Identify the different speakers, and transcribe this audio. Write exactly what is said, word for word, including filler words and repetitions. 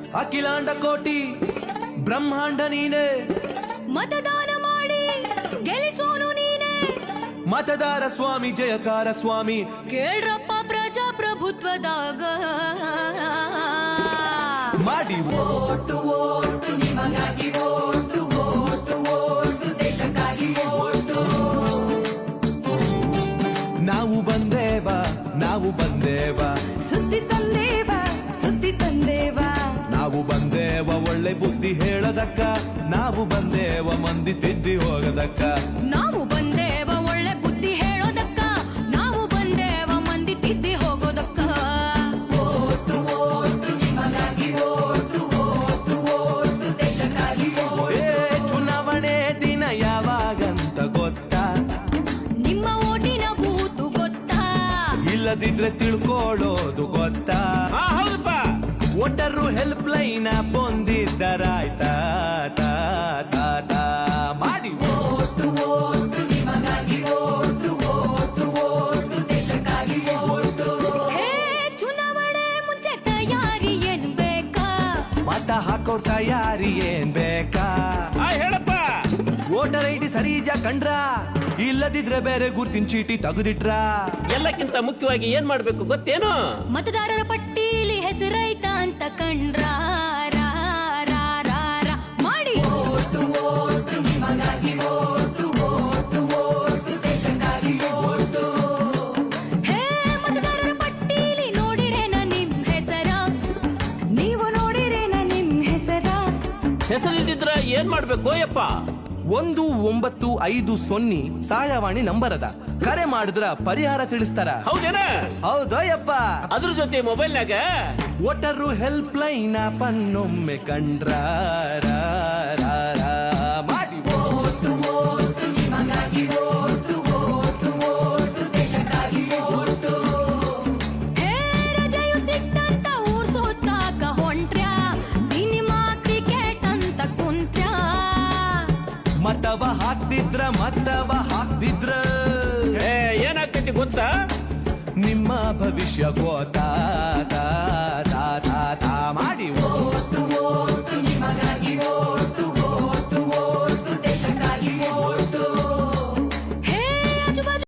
Speaker 1: ಅಖಿಲಾಂಡ ಕೋಟಿ ಬ್ರಹ್ಮಾಂಡ ನೀನೆ,
Speaker 2: ಮತದಾನ ಮಾಡಿ ಗೆಲ್ಲಿಸೋನು ನೀನೆ,
Speaker 1: ಮತದಾರ ಸ್ವಾಮಿ ಜಯಕಾರ ಸ್ವಾಮಿ.
Speaker 2: ಕೇಳ್ರಪ್ಪ ಪ್ರಜಾಪ್ರಭುತ್ವದಾಗ
Speaker 1: ಮಾಡಿ
Speaker 3: ಓಟು ಓಟು ನಿಮಗಾಗಿ ಓಟು ಓಟು ಓಟು ದೇಶಕ್ಕಾಗಿ ಓಟು.
Speaker 1: ನಾವು ಬಂದೇವ ನಾವು ಬಂದೇವ
Speaker 2: ಸುದ್ದಿ ತಂದೇವ ಸುದ್ದಿ ತಂದೇವ,
Speaker 1: ನಾವು ಬಂದೇವ ಒಳ್ಳೆ ಬುದ್ಧಿ ಹೇಳದಕ್ಕ, ನಾವು ಬಂದೇವ ಮಂದಿ ತಿದ್ದಿ ಹೋಗದಕ್ಕ.
Speaker 2: ನಾವು ಬಂದೇವ ಒಳ್ಳೆ ಬುದ್ಧಿ ಹೇಳೋದಕ್ಕ, ನಾವು ಬಂದೇವ ಮಂದಿ ತಿದ್ದಿ ಹೋಗೋದಕ್ಕ.
Speaker 3: ಓಟು ಓಟು ನಿಮಗಾಗಿ ಓಟು ಓಟು ಓಟು ದೇಶಕ್ಕಾಗಿ ಓಟು.
Speaker 1: ಏ ಚುನಾವಣೆ ದಿನ ಯಾವಾಗಂತ ಗೊತ್ತಾ?
Speaker 2: ನಿಮ್ಮ ಓಟಿನ ಬೂತು ಗೊತ್ತಾ?
Speaker 1: ಇಲ್ಲದಿದ್ರೆ ತಿಳ್ಕೊಳ್ಳೋದು ಗೊತ್ತಾ?
Speaker 4: ಹೌದಪ್ಪ.
Speaker 1: ಒಟ್ಟರು ಹೆಲ್ಪ್ ಲೈನ್ ಬಂದಿದ್ದರಾಯ್ತಾ ತಾ ತಾ ತಾ ಮಾಡಿ
Speaker 3: ಓಟು ಓಟು ನಿಮಗಾಗಿ ಓಟು ಓಟು ಓಟು ದೇಶಕ್ಕಾಗಿ ಓಟು.
Speaker 2: ಹೇ ಚುನಾವಣೆ ಮುಂಚೆ ತಯಾರಿ ಏನ್ ಬೇಕಾ?
Speaker 1: ಮತ ಹಾಕೋರ್ ತಯಾರಿ ಏನ್ ಬೇಕಾ?
Speaker 4: ಆ, ಹೇಳಪ್ಪ.
Speaker 1: ವೋಟರ್ ಐ ಡಿ ಸರಿಜ ಕಂಡ್ರ, ಇಲ್ಲದಿದ್ರೆ ಬೇರೆ ಗುರ್ತಿನ ಚೀಟಿ ತೆಗೆದಿಟ್ರ.
Speaker 4: ಎಲ್ಲಕ್ಕಿಂತ ಮುಖ್ಯವಾಗಿ ಏನ್ ಮಾಡ್ಬೇಕು ಗೊತ್ತೇನು?
Speaker 2: ಮತದಾರರ ಪಟ್ಟೀಲಿ ಹೆಸರೈತ ಅಂತ ಕಂಡ್ರ ರಾ, ರಾ, ರಾ, ರಾ ಮಾಡಿ.
Speaker 3: ಓಟು ಓಟು ನಿಮಗಾಗಿ ಓಟು ಓಟು ಓಟು ದೇಶಕ್ಕಾಗಿ ಓಟು.
Speaker 2: ಹೇ ಮತದಾರರ ಪಟ್ಟೀಲಿ ನೋಡಿರೇನ ನಿಮ್ ಹೆಸರ? ನೀವು ನೋಡಿರೇನ ನಿಮ್ ಹೆಸರ?
Speaker 4: ಹೆಸರಿಲ್ದಿದ್ರ ಏನ್ ಮಾಡ್ಬೇಕು ಯಪ್ಪ?
Speaker 1: ಒಂದು ಒಂಬತ್ತು ಐದು ಸೊನ್ನೆ ಸಹಾಯವಾಣಿ ನಂಬರ್ ಅದ, ಕರೆ ಮಾಡಿದ್ರ ಪರಿಹಾರ ತಿಳಿಸ್ತಾರ.
Speaker 4: ಹೌದೇನ?
Speaker 1: ಹೌದಯ್ಯಪ್ಪ.
Speaker 4: ಅದ್ರ ಜೊತೆ ಮೊಬೈಲ್ನಾಗ
Speaker 1: ಒಟ್ಟರು ಹೆಲ್ಪ್ ಲೈನ್ ಪನ್ನೊಮ್ಮೆ ಕಂಡ್ರ ರಾ, ರಾ, ರಾ ಮಾಡಿ.
Speaker 3: ಓಟು ಓಟು ನಿಮಗಾಗಿ ಓಟು ಓಟು ಓಟು ದೇಶಕ್ಕಾಗಿ ಓಟು.
Speaker 2: ಹೇ ರಜೆಯು ಸಿಕ್ತಂತ ಊರ್ ಸುತ್ತಾಕ ಹೊಂಟ್ರ್ಯಾ, ಸಿನಿಮಾ ಕ್ರಿಕೆಟ್ ಅಂತ ಕುಂತ್ರ್ಯಾ.
Speaker 1: ಮತವ ಹಾಕ್ತಿದ್ರ ಮತವ ಹಾಕ್ತಿದ್ರ
Speaker 4: ಏ, ಏನಾಗ್ತೈತಿ ಗೊತ್ತಾ?
Speaker 1: ನಿಮ್ಮ ಭವಿಷ್ಯ ಗೋತಾ